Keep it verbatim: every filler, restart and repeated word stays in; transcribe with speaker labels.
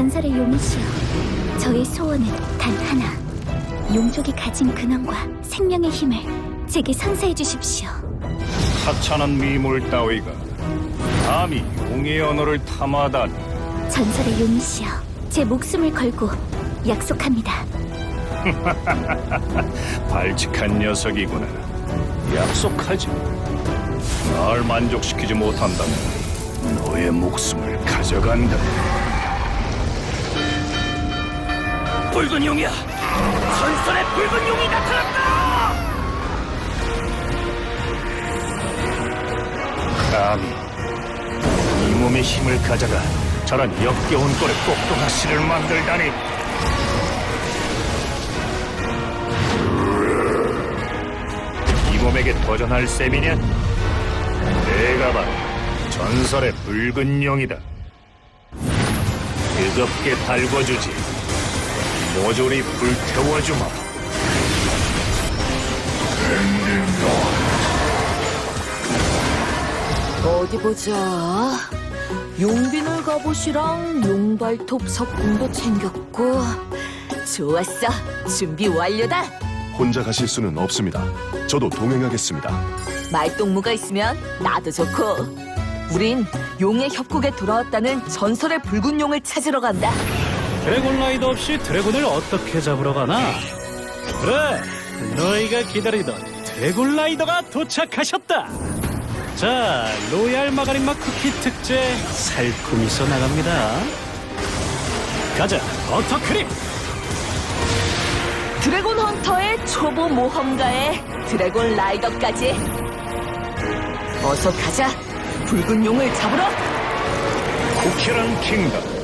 Speaker 1: 전설의 용이시여, 저의 소원은 단 하나. 용족이 가진 근원과 생명의 힘을 제게 선사해 주십시오.
Speaker 2: 하찮은 미물 따위가 감히 용의 언어를 탐하다니.
Speaker 1: 전설의 용이시여, 제 목숨을 걸고 약속합니다.
Speaker 2: 발칙한 녀석이구나. 약속하지. 날 만족시키지 못한다면 너의 목숨을 가져간다. 붉은 용이야! 전설의 붉은 용이 나타났다! 감히 이 몸의 힘을 가져가 저런 역겨운 꼴의 똑똑하씨를 만들다니. 이 몸에게 도전할 셈이냐? 내가 바로 전설의 붉은 용이다. 뜨겁게 달궈주지. 모조리 불태워주마.
Speaker 3: 어디 보자. 용비놀 갑옷이랑 용발톱 석궁도 챙겼고. 좋았어. 준비 완료다.
Speaker 4: 혼자 가실 수는 없습니다. 저도 동행하겠습니다.
Speaker 3: 말동무가 있으면 나도 좋고. 우린 용의 협곡에 돌아왔다는 전설의 붉은 용을 찾으러 간다.
Speaker 5: 드래곤 라이더 없이 드래곤을 어떻게 잡으러 가나? 그래, 너희가 기다리던 드래곤 라이더가 도착하셨다. 자, 로얄 마가린 맛 쿠키 특제 살코미서 나갑니다. 가자, 버터크림.
Speaker 3: 드래곤 헌터의 초보 모험가에 드래곤 라이더까지. 어서 가자. 붉은 용을 잡으러.
Speaker 2: 쿠키런 킹덤